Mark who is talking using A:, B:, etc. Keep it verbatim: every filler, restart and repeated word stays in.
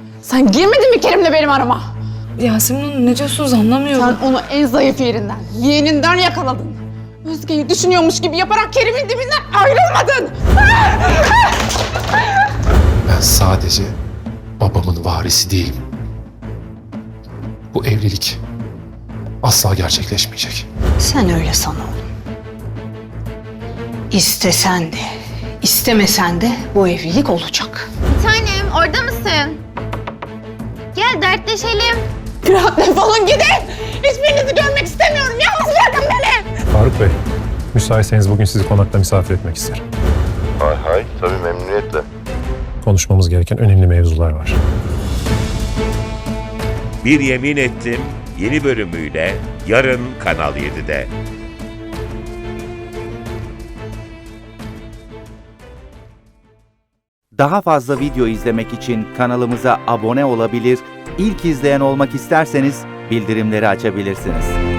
A: Sen girmedin mi Kerim'le benim arama?
B: Yasemin Hanım ne diyorsunuz anlamıyorum.
A: Sen onu en zayıf yerinden, yeğeninden yakaladın. Özge'yi düşünüyormuş gibi yaparak Kerim'in dibinden ayrılmadın.
C: Ben sadece babamın varisi değilim. Bu evlilik asla gerçekleşmeyecek.
D: Sen öyle san oğlum. İstesen de, istemesen de bu evlilik olacak.
E: Bir tanem orada mısın? Gel dertleşelim.
A: Rahat defolun gidin. Hiçbirinizi görmek istemiyorum. Yalnız bırakın beni.
F: Faruk Bey, müsaitseniz bugün sizi konakta misafir etmek isterim.
G: Hay hay, tabii memnuniyetle.
F: Konuşmamız gereken önemli mevzular var.
H: Bir Yemin Ettim yeni bölümüyle yarın Kanal yedide.
I: Daha fazla video izlemek için kanalımıza abone olabilir, ilk izleyen olmak isterseniz bildirimleri açabilirsiniz.